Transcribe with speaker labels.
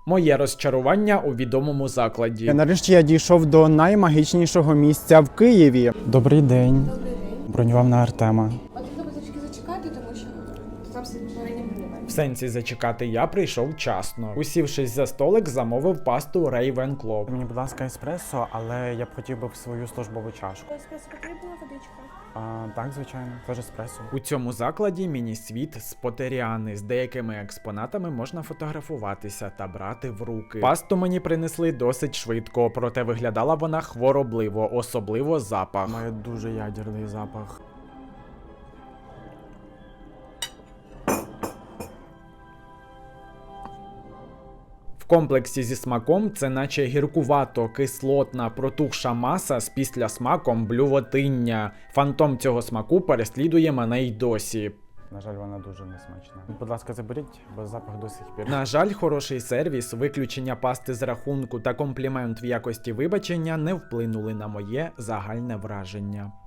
Speaker 1: Моє розчарування у відомому закладі.
Speaker 2: Нарешті я дійшов до наймагічнішого місця в Києві. Добрий день.
Speaker 3: Добрий день.
Speaker 2: Бронював на Артема.
Speaker 3: Потрібно трішки зачекати, тому що там попередньо прийме.
Speaker 1: В сенсі зачекати я прийшов вчасно. Усівшись за столик, замовив пасту Ravenclaw.
Speaker 2: Мені, будь ласка, еспресо, але я б хотів би в свою службову чашку.
Speaker 3: Еспресо потрібна водичка?
Speaker 2: Так, звичайно, теж еспресо.
Speaker 1: У цьому закладі міні-світ з Поттеріани. З деякими експонатами можна фотографуватися та брати в руки. Пасту мені принесли досить швидко, проте виглядала вона хворобливо, особливо запах.
Speaker 2: Має дуже ядерний запах.
Speaker 1: В комплексі зі смаком це наче гіркувато-кислотна протухша маса з післясмаком блювотиння. Фантом цього смаку переслідує мене й досі.
Speaker 2: На жаль, вона дуже несмачна. Будь ласка, заберіть, бо запах до сих пір.
Speaker 1: На жаль, хороший сервіс, виключення пасти з рахунку та комплімент в якості вибачення не вплинули на моє загальне враження.